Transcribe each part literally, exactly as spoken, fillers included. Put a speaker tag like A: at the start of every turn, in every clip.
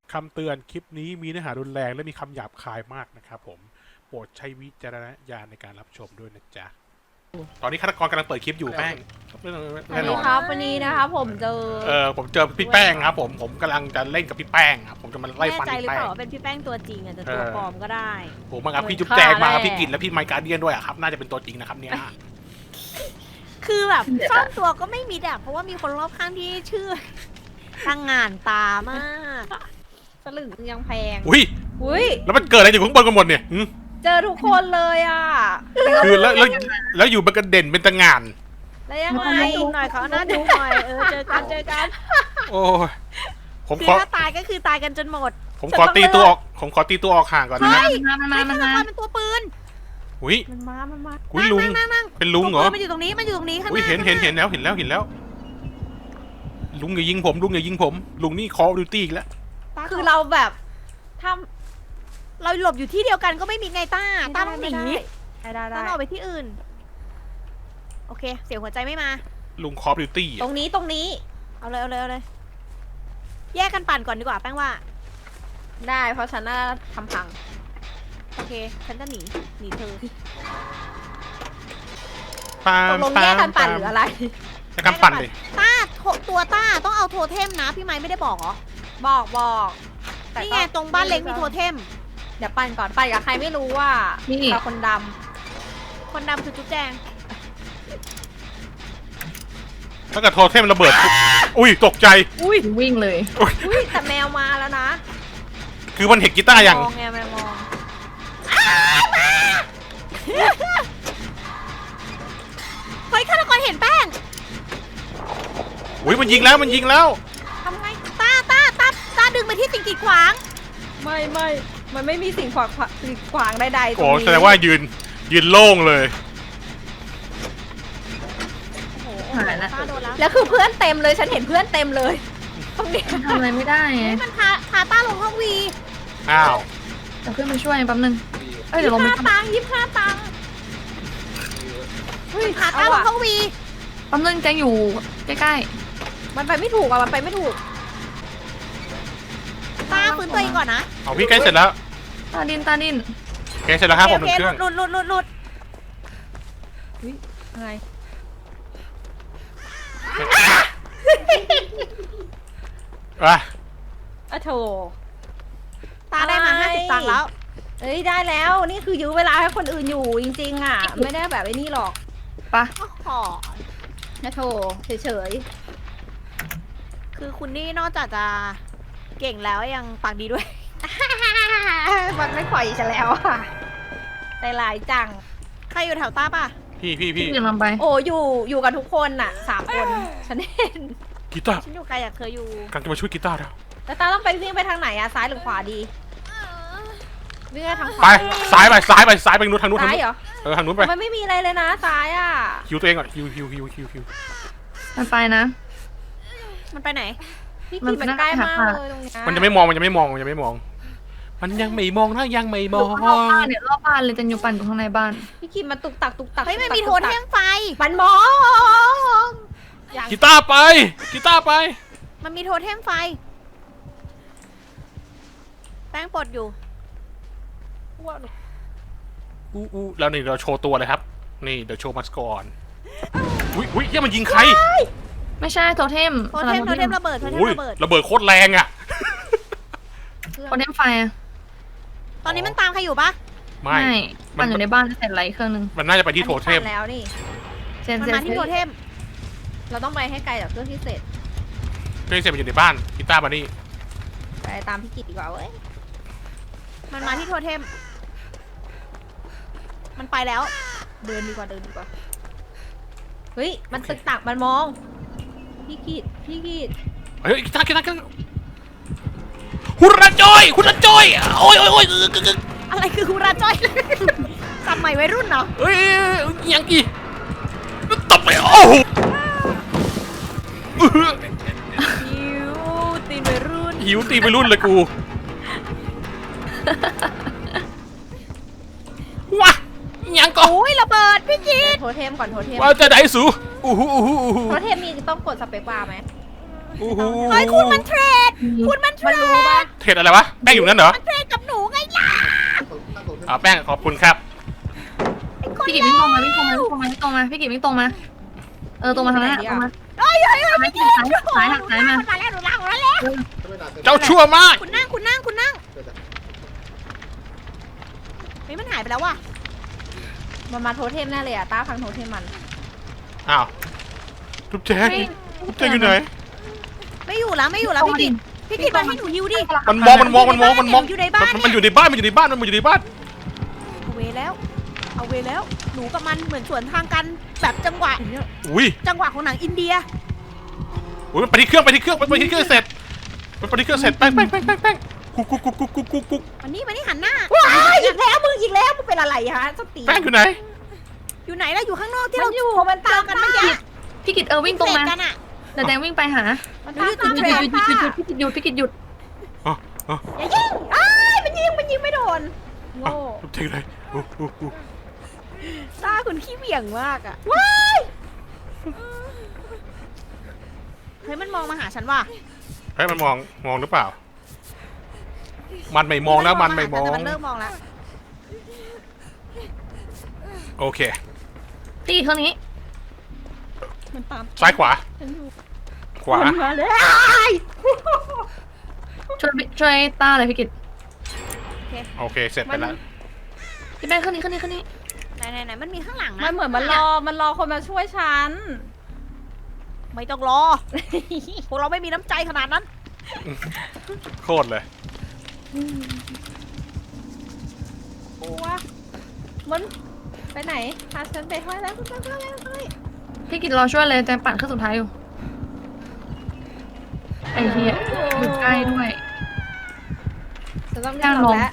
A: คำเตือนคลิปนี้มีเนื้อหารุนแรงและมีคำหยาบคายมากนะครับผมโปรดใช้วิจารณญาณในการรับชมด้วยนะจ๊ะตอนนี้ฆาตกรกำลังเปิดคลิปอยู่แป้ง
B: สวั
A: แน่
B: ส
A: น
B: ดี
A: อน
B: ครับวันนี้นะครับผมเจอ
A: เออผมเจอพี่แป้งครับผมผมกำลังจะเล่นกับพี่แป้งครับผมจะมาไล่
C: แน่
A: ฟัน
C: ใจห
A: พี่
C: รือ
A: แป้
C: เปล่าง ว่าเป็นพี่แป้งตัวจริงอาจจะตัว
A: เออ
C: ปลอมก็ได้
A: ผมมากับพี่
B: เหมือน
A: จุ๊บแจง
B: ฆ่า
A: มากับ
B: แน่
A: พี่กิตและพี่ไมค์การเดียนด้วยอะครับน่าจะเป็นตัวจริงนะครับเนี่ย
C: คือแบบซ่อนตัวก็ไม่มีดะเพราะว่ามีคนรอบข้างที่ชื่อตั้งงานตามากสลึงยังแพง
A: อุ้ย
B: อุ้ย
A: แล้วมันเกิดอะไรอยู่ข้างบนกันหมดเนี่ยหึ
B: เจอทุกคนเลยอ่ะ
A: คือแล้วแล้วแล้วอยู่มันกระเด่นเป็นตะงาน
C: แล้วยังไงดูหน่อยเขาหน้าดูหน่อยเออเจอกันเจอกัน
A: โอ้ยผม
C: คือ
A: ขอ
C: ถ้าตายก็คือตายกันจนหมด
A: ผมขอตีตัวออกผมขอตีตัวออกห่างก่อนนะ
C: เฮ้ย
B: มันมา มัน
C: ไอ้
B: มา
C: ฆา
B: มันมา
C: ตกรเป็นตัวปืน
A: อุ้ย
B: มันมา มันมา
A: อุ้ยลุง
C: นั่งนั่ง
A: เป็นลุงเหรอ
C: ตัวปืนมันอยู่ตรงนี้มันอยู่ตรงนี้ข้างห
A: อุ้ย
C: น้า
A: เห็นเห็นเห็นแล้วเห็นแล้วเห็นแล้ว ลุงอย่ายิงผมลุงอย่ายิงผม ลุงนี่คอดูตี้อีกแล้ว
B: คือเราแบบท
C: เราหลบอยู่ที่เดียวกันก็ไม่มีไงต้า
B: ำ
C: ต้าต้องหนี
B: ได้ได้
C: ต้า
B: ได้
C: ต้องออกไปที่อื่น โอเค เสียงหัวใจไม่มา
A: ลุงคอดูตี้
B: ตรงนี้ตรงนี้
C: เอาเลยเอาเลยเอาเลย แยกกันปั่นก่อนดีกว่าแป้งว่า
B: ได้ เพราะฉันน่าทำพัง
C: โอเค ฉันจะหนี หนีเธอ
A: ปา
B: ต
A: ม
B: กลง
A: ปา
B: แยก
A: ม
B: กันปั่น
A: ปาม
B: หรืออะไร
A: จะกำปั่นเลย
C: ต้าโถตัวต้าต้องเอาโทเทมนะ พี่ไม้ไม่ได้บอกเหรอ
B: บอกบอกแต่
C: นี่
B: ก็
C: ไงตรงบ้านเล็กมีโทเทม
B: เดี๋ยวปั่นก่อน ปั่นกับใครไม่รู้ว่า
D: นี่
B: กับคนด
C: คนดำคือจุ๊บแจง
A: ถ้าเกิดโทรเทมระเบิด อุ้ยตกใจ
B: ำอุ้ย
D: วิ่งเลย
B: อุ้ยแต่แมวมาแล้วนะ
A: คือมันเห็นกีตาร์อย่าง
B: มองไงแมวมอง
C: เฮ้ยฆาตกรเห็นแป้ง
A: อุ้ยมันยิงแล้วมันยิงแล้ว
C: ทำไงต้าต้าต้าต้าดึงไปที่สิ่งกีดขวาง
B: ไม่ไม่มันไม่มีสิ่งขวางขวางสิ่งขวางใดๆตร
A: โอ้
B: งนี้
A: แสดงว่ายืนยืนโล่งเลย
C: โอ้โห
D: หายละ
C: ต้าโดนแล้ว
B: แล้วคือเพื่อนเต็มเลยฉันเห็นเพื่อนเต็มเลยตรงนี้
D: ทำอะไรไม่ได้ไง
C: เฮ้ยมันพาพาต้าลงห้องวี
A: อ้าว
D: แต่เพื่อนมาช่วยแป๊บนึงเอ้ยเดี๋ยวลงไป
C: ห้า
D: ทำ
C: ตังค์ยี่สิบห้าตังค์
B: เฮ้ย
C: พา
B: เอา
C: ต้าลง
B: อะ
C: ห้องวี
D: แป๊บนึงแจงอยู่ใกล้
B: มันไปไม่ถูกอะมันไปไม่ถูก
C: ต้าฟื้นตัวเองก่อนนะ
A: เอาพี่ใกล้เสร็จแล้ว
D: ๆตาดินตาดิน
A: ใกล้เสร็จแล้วครับผม
C: โอ
A: หนึ่
C: เค
A: งเครื่อง
C: หลุดหลุดหลุดหลุด
B: อะไร
A: อ่ะ
B: อะโถ
C: ต้าได้มา
B: อะไร
C: ห้าสิบตังค์แล้ว
B: เอ้ยได้แล้วนี่คือยื้อเวลาให้คนอื่นอยู่จริงๆอ่ะ ไม่ได้แบบไอ้นี่หรอก
D: ปะ
C: โอ้โห
B: นะโถเฉย
C: คือคุณนี่นอกจากจะเก่งแล้วยังปากดีด้วย
B: ๆ มันไม่ปล่อยฉันแล้วอ่ะใจร้ายจัง
C: ใครอยู่แถวต้าป่ะ
A: พี่พี่
D: พี่
A: พี่
D: กำลังไป
B: โอ้อยู่อยู่กันทุกคนน่ะสามคนฉันเห็น
A: กีตาร์
C: ฉันอยู่ไกลจากเธออยู่
A: กำลังจะมาช่วยกีตาร์แล้ว
B: แล้วตาต้องไปวิ่งไปทางไหนอะซ้ายหรือขวาดีวิ่งไปทางขวา
A: ไปซ้ายไปซ้ายไปซ้ายไปทางนู้นทางนู้นทาง
B: ซ้าย
A: นู้น
B: เหรอ
A: เออทางนู้นไป
B: มันไม่มีอะไรเลยนะซ้ายอ่ะ
A: ฮิวตัวเองก่อนฮิวฮิวฮิวฮิวฮิว
D: มันไปนะ
C: มันไปไหน
B: พี่
D: มัน
B: กีมันใกล้มาก
D: หา
B: เลยตรงเนี้ย
A: มันจะไม่มองมันจะไม่มองมันจะไม่มอง มันยังไม่มองนะยังไม่มอง
D: รอบบ้านเนี่ยรอบบ้านเลยจันอยู่ปั่นอยู่ข้างในบ้าน
B: พี่กีมันตุกตักตุกตัก
C: เฮ้ยมัน
B: ตุกตัก
C: มีโทน
B: ตุก
C: เท
B: ตัก
C: มไฟ
B: มันมอง
C: อย่าง
A: กีตาร์ไปกีตาร์ไป
C: มันมีโทเทมไฟ แป้งปลดอยู่
A: อู้อู้แล้วนี่เราโชว์ตัวเลยครับ นี่เดี๋ยวโชว์มัสก่อนอุ้ยอุ้ยเหี้ยมันยิงใคร
D: ไม่ใช่โทเทม
C: โทเทมโทเทมระเบิดโทเทม
A: อุ้ย
C: ระเบิด
A: ระเบิดโคตรแรงอ่ะ
D: โทเทมไฟอะ
C: ตอนนี้มันตามใครอยู่ปะ
A: ไม่
D: ปั่นอยู่ในบ้านเสร็จไรเครื่องนึง
A: มันน่าจะไปที่โทเทม
B: อันนี้ปั่นแล้วนี่
D: เซน
C: มัน
D: เซน
C: มาที่โทเทม
B: เราต้องไปให้ไกลจากเครื่องที่เสร็จ
A: เพื่อนเสร็จมันอยู่ในบ้านกีตาร์มานี่
B: ไปตามพี่กิตดีกว่าเว้ย
C: มันมาที่โทเทม มันไปแล้ว
B: เดินดีกว่าเดินดีกว่าเฮ้ยมันตึกตักมันมอง พี่กิตพี่กิต
A: เฮ้ยกีตาร์กีตาร์กีตาร์หุระจอยหุระจอยโอ้ยโอ้ยโอ้ยเออกึกกึก
C: อะไรคือฮูราจ้อย สมัยวัยรุ่นเหรอ
A: เฮ้ยยังอีตบไปโอ้โห
C: หิวตีนวัยรุ่น
A: หิวตีไปรุ่นเลยกูว้ายังก็
C: โอ้ยระเบิดพี่กีด
B: โทเทมก่อนโทเทม
A: ว่าจะได้สูอู้หูอู้หูอู้หู
B: โทเทมมีต้องกดสเปคบาร์ไหม
A: โอ้โห
C: เฮ้ยคุณมันเทรด คุณมันเทร
B: มันรู้
C: ด
B: ปะ
A: เทรดอะไรวะแป้งอยู่นั่นเหรอ
C: มันเทรดกับหนูไงล่ะ
A: อ่าแป้งขอบคุณครับ
C: ไอ้คน
D: พี่กิจวิ่งตรงมาวิ่งตรงมาวิ่งตรงมาวิ่งตรงมาพี่กิจวิ่งตรงมาเออตรงมาทางนั้นอะตรงมา
C: เอ้ยเอ้ยเอ้ย
D: ไม่กินสายสายหักสายมา
C: มันมาแล้วหนูลากหนูแล้ว
A: เจ้าชั่วมาก
C: คุณนั่งคุณนั่งคุณนั่งเฮ้ยมันหายไปแล้วว่ะ
B: มันมาโทเทมแน่เลยอะต้าพังโทเทมมัน
A: อ้าวทุบแจ๊กทุบแจ๊กอยู่ไหน
C: ไม่อยู่แล้วไม่อยู่แล้วพี่กิตพี่กิตมาให้หนูยิวดิ
A: มันมองมันมองมันมองมันมอง
C: อยู่ในบ้าน
A: มันมันอยู่ในบ้านมันอยู่ในบ้านมันอยู่ในบ้าน
C: เอาเวแล้ว เอาเวแล้ว หนูกับมันเหมือนสวนทางกันแบบจังหวะ
A: อุ้ย
C: จังหวะของหนังอินเดีย
A: อุ้ยมันไปที่เครื่องไปที่เครื่องไปที่เครื่องเสร็จมันไปที่เครื่องเสร็จแป้งแป้งแป้งแป้งแป้งกุ๊กกุ๊กกุ๊กกุ๊กกุ๊กกุ๊ก
C: มันนี่มันนี่หันหน้า
B: ว้ายอีกแล้วมึงอีกแล้วมึงเป็นอะไรฮะสติ
A: แป้งอยู่ไหน
C: อยู่ไหนแล้วอยู่ข้างนอกที่
B: มั
C: เรา
B: นอยู่มัน
C: เจ
B: ตา
C: อ
B: ม
C: กัน
B: ต้า
C: เมื่อกี้
D: พี่กิจเออวิ่งตรงมา
C: เสร็จกันอะ
D: เดี๋ยวแดงวิ่งไปหา
B: มัน
C: หนู
B: ตาม
C: อยู่
B: ตา
C: ติ
B: ม
C: ด
B: เท
C: เท
B: ร
C: ร
B: น
C: น
D: พี่กิจหยุดพี่กิจหยุดพี่กิจหยุด
A: อ๋ออ๋อ
C: อย่ายิง
B: อ้ายมันยิงมันยิงไม่โดนโง่
A: ทุบแจ๊กอยู่ไหนโอ้โห
C: ตาคุณขี้เหวี่ยงมากอะ
B: ว้าย
C: เฮ้ยมันมองมาหาฉันว่ะ
A: เฮ้ยมันมองมองหรือเปล่า มันไม่มองแล้วมันไม่มอง
C: แต่มันเริ่มมองแล้ว
A: โอเค
D: พี่กิจเครื่องนี้
B: มันตาม
A: ซ้ายขวา
B: ฉันอยู่
A: ขวา
B: มันมาเลย
D: ช่วยช่วยต้าเลยพี่กิจ
A: โอเคเสร็จไปแล้ว
D: พี่แป้งเครื่องนี้เครื่องนี้เครื่องนี้
C: ไหนไหนไหนมันมีข้างหลังนะ
B: มันเหมือนมันรอมันรอคนมาช่วยฉัน
C: ไม่ต้องรอ พวกเราไม่มีน้ำใจขนาดนั้น
A: โคตรเลย
B: กลัวมันไปไหนพาฉันไปห้อยแล้วคุณไปห้อยแล้วห้อย
D: พี่กิจรอช่วยเลยแจงปั่นเครื่องสุดท้ายอยู่ไอ้เหี้ยอยู่ใกล้ด้วย
B: ฉันต้องเรียกเราแล้ว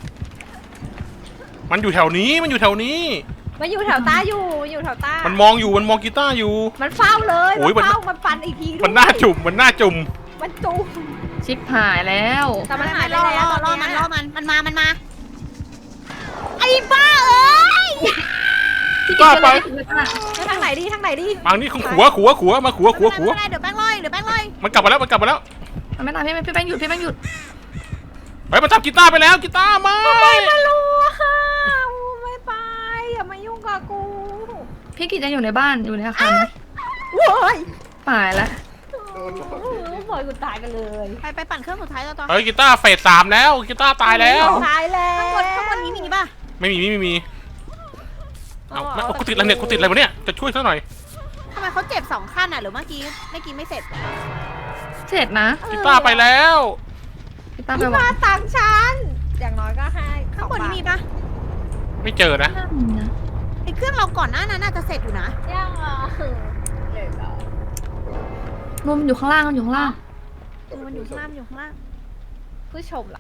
A: มันอยู่แถวนี้มันอยู่แถวนี้
B: มันอยู่แถวต้าอยู่อยู่แถวต้า
A: มันมองอยู่มันมองกีตาร์อยู่
B: มันเฝ้าเลย
A: โอ้ย
B: มัน
A: มัน
B: เฝ้ามันฟันอีกทีด้วย
A: มันหน้าจุ่มมันหน้าจุ่ม
B: มันจุ่ม
D: ชิปหายแล้ว
B: แต่มันหายไป
C: ล่อ
B: แล้ว
C: ล่อ
B: ต
C: ล่อ
B: อน
C: มัน
B: เนี้ย
C: ล่อมันมันมามันมาไอ้บ้าเอ้ย
D: พี่กิจช่วยเลยพี่กิจช่วยต้า
B: แล้วทางไหนดีทางไหนดี
A: บางนี่ของขัวขัวขัวมาขัวขัวขัว
C: ไม่เป็นไรเดี๋ยวแป้งลอยเดี๋ยวแป้งลอย
A: มันกลับมาแล้วมันกลับมาแล้ว
D: มันไม่ตามพี่แป้งพี่แป้งหยุดพี่แป้งหยุด
A: เฮ้ยมันจับกีตาร์ไปแล้วกีตาร์มา
B: ไม่รู้ค่ะไม่ไปอย่ามายุ่งกับกู
D: พี่กิจยังอยู่ในบ้านอยู่ในอาคารนะ
B: โว้ย
D: หายแล้ว
B: ปล่อยกูตายกันเลย
C: ไปไปปั่นเครื่องสุดท้ายต่อต่อ
A: เฮ้ยกีตาร์เฟสสามแล้วกีตาร์ตายแล้ว
B: ตายแล้
C: ข้าง
B: ว
C: บนข้างบนนี้มีป่ะ
A: ไม่มีไม่มีไม่มีเอาไม่เอากูติดอะไรเนี่ยกูติดอะไรวะเนี่ยจะช่วยซะหน่อย
C: ทำไมเขาเจ็บสองขั้นอ่ะหรือเมื่อกี้เมื่อกี้ไม่เสร็จ
D: เสร็จนะ
A: กีตาร์ไปแล้ว
D: พี่ต้าไป
B: พี่
D: บอก
B: มาตังค์ฉันอย่างน้อยก็ให้
C: ข้างบนนี้มีป่ะ
A: ไม่เจอนะ
D: น่ามีนะ
C: ไอ้เครื่องเราก่อนหน้านั้นน่าจะเสร็จอยู่นะ
B: ยังอ่ะเด็กอ่ะ
D: รวมอยู่ข้างล่างมันอยู่ข้างล่าง
C: เออมันอยู่ข้างล่างมันอยู่ข้างล่าง
B: ผู้ชมล่ะ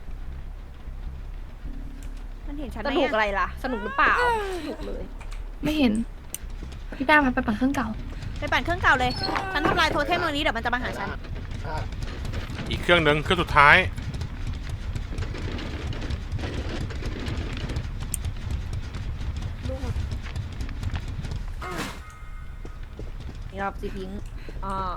C: มันเห็นฉันไห
B: ส
C: ม
B: นุก
C: อะ
B: อะไรล่ะ สนุกหรือเปล่าสนุกเลย
D: ไม่เห็น พี่แป้งไปปั่นเครื่องเก่า
C: ไปปั่นเครื่องเก่าเลย ฉันทำลายโทเทมตรงนี้เดี๋ยวมันจะมาหาฉัน
A: อีกเครื่องหนึ่งเครื่องสุดท้าย
B: นี่รอบจีพิงอ่า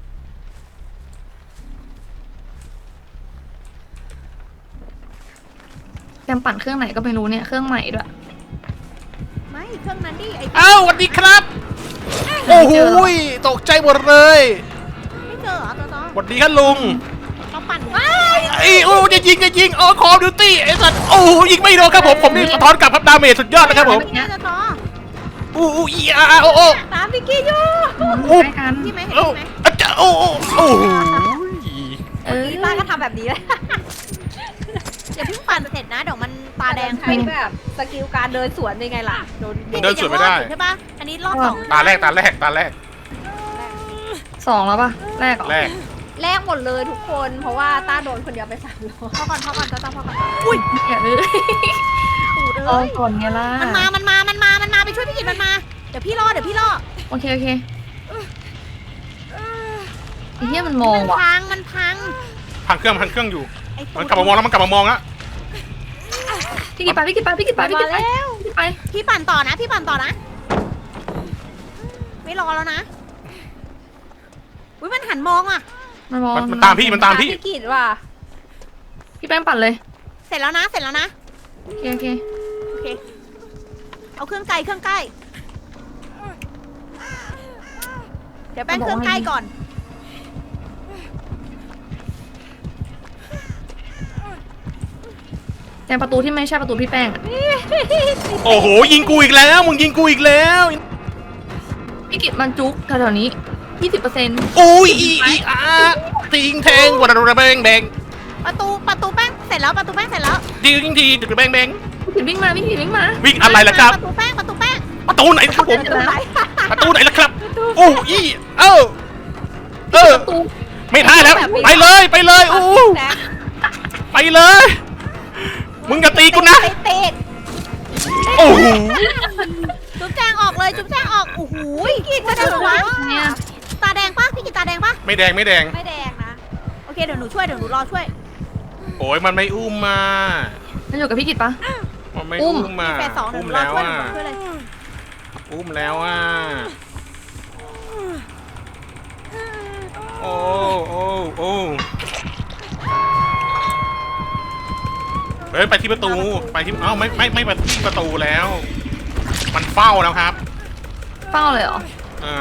D: แจมปั่นเครื่องไหนก็ไม่รู้เนี่ยเครื่องใหม่ด้วย
C: ไม่เครื่องนั้นดิไอ้
A: อ้าวสวัสดีครับ โอ้โหยตกใจหมดเลย
C: ไม่เจอเหรอตัวต่อ
A: สวัสดีครับลุง
C: เราปั่น
A: ไอ้โอ้จะยิงจะยิงอ๋อคอมดิวตี้ไอ้สัตว์โอ้โหยิงไม่โดนครับผมผมนี่สะท้อนกลับครับดาเมจสุดยอดนะครับผม
C: เนี่ยตัวต่อ
A: อู้อู้อีอาร์โอ้โอ้
B: ตามพี่กี้อยู่
A: อู้
D: ใกล้กัน
C: ที่ไหมเห็น
A: โอ้
C: ไหม
A: อาจารย์โอ้โอ้โอ้โห
D: เออ
B: พี่ป้าก็ทำแบบนี้เลย
C: อย่าเพิ่งปั่นเสร็จนะเดี๋ยวมันตาแดง
B: ใช้แบบสกิลการเดินสวนเป็นไงล่ะโดน
A: เดินสวนไม่ได้
C: ใช่ปะอันนี้รอบสอง
A: ตาแรกตาแรกตาแรก
D: สองแล้วป่ะแรกเหรอ
A: แรก
B: แลกหมดเลยทุกคน เพราะว่าต้าโดนคนเดียวไปสามรอบ
C: พอก่อนพอก่อนตัวต่อพอก่อน
D: อุ้ยอย่าเลย
C: ตูด
D: เอา
C: เอ้ย
D: ก่อนไงล่ะ
C: มันมามันมามันมามันมาไปช่วยพี่กิตมันมาเดี๋ยวพี่รอเดี๋ยวพี่รอ
D: โอเคโอเคไอ้เหี้ยมันมอง
C: มัน
D: ว่ะ
C: พังมันพัง
A: พังเครื่องพังเครื่องอยู่
C: ไอ้ตู
A: มัน
C: ด
A: กลับมามองแล้วมันกลับมามองแล้ว
D: พี่กิตไปพี่กิตไปพี่กิตไปพี่กิตไป
B: มาแล้ว
D: พี่กิตไป
C: พี่ปั่นต่อนะพี่ปั่นต่อนะไม่รอแล้วนะอุ้ยมันหันมองอ่ะ
D: มันมอง
A: มันมันตามพี่มันตามพี่
B: พี่กิดว่ะ
D: พี่แป้งปั่นเลย
C: เสร็จแล้วนะเสร็จแล้วนะ
D: โอเคโอเค
C: โอเคเอาเครื่องไกลเครื่องใกล้เดี๋ยวแป้งเครื่องใกล้ก่อน
D: แจงประตูที่ไม่ใช่ประตูพี่แป้งอะ
A: โอ้โหยิงกูอีกแล้วมึงยิงกูอีกแล้ว
D: พี่กิจมันจุกแถวๆนี้ยี่สิบเปอร์เซ็นต์
A: อุ้ยอีอีอาติงแทงวัดระแบงแบง
C: ประตูประตูแป้งเสร็จแล้วประตูแป้งเสร็จแล้ว
A: ดิงทีดึกแบงแบง
D: พี่กิจวิ่งมาพี่กิจวิ่งมา
A: วิ่งอะไรล่ะครับ
C: ประตูแป้งประตูแป้ง
A: ประตูไหนครับผม
D: เสร็จแล้ว
A: ประตูไหนล่ะครับโอ้อีเออเออ
D: ประตู
A: ไม่ได้แล้วไปเลยไปเลยอู้
B: แซก
A: ไปเลย มึงอย่าตีกูนะ
B: ไปเตะ
A: โอ้โห
C: จุ๊บแจงออกเลยจุ๊บแจงออกโอ้โหกินมาได้หรอวะ
D: เนี่ย
C: ตาแดงปะพี่กินตาแดงปะ
A: ไม่แดงไม่แดง
B: ไม่แดงนะ
C: โอเคเดี๋ยวหนูช่วยเดี๋ยวหนูรอช่วย
A: โอ้ยมันไม่อุ้มมา
D: มันอยู่กับพี่กิจปะ
A: มันไม่
D: อุ้
A: อุ้
D: ม
A: มมา
C: แปดสองเดี๋ยว
A: อุ้
C: ห
A: ม
C: นูรอ
A: แล้ว
C: ช่วย
A: อ่ะ
C: เดี๋ยวหนูช่วยเลย
A: อุ้มแล้วอ่ะโอ้โอ้โอ้เฮ้ยไปที่ประตูไปที่เอ้าไม่ไม่ไม่ไปที่ประตูแล้ว มันเฝ้าแล้วครับ
D: เฝ้าเลยเหรอ
A: อ่า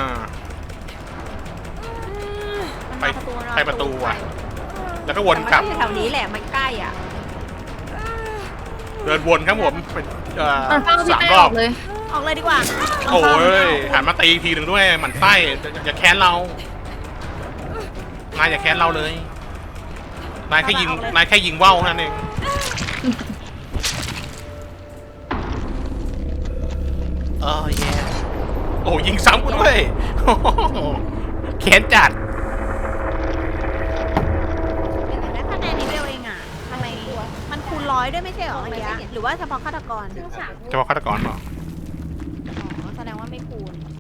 C: มัน
A: ไป
C: มาประตูมันมา
A: ไปประตูอ่ะ แล้วก็วนกลับ
B: แต่มันก็อยู่แถวนี้แหละมันใกล้อ่ะ
A: เดินวนครับผมเป็นเอ่อ
D: มันเฝ้าพี่
A: สาม
D: แป้ง
A: ร
D: อ
A: อ
D: อบ กเลย
C: ออกเลยดีกว่า
A: โอ้ยหันมาตีอีกทีหนึ่งด้วยหมันไส้อย่าอย่าแค้นเรานายอย่าแค้นเราเลยนายแค่ยิงนายแค่ยิงว่าวเท่านั้นเองเออแย่โอ้ยิงซ้ำกูด้วยโอ้โหแค้นจัด
C: เป็นไงได้คะแนนนิดเดียวเองอ่ะทำไมมันคูณร้อยด้วยไม่ใช่เหรอเมื่อกี้หรือว่าเฉพาะฆาตกร
A: จะบอกฆาตกรเปล่า
C: อ๋อแสดงว่าไม่คูณ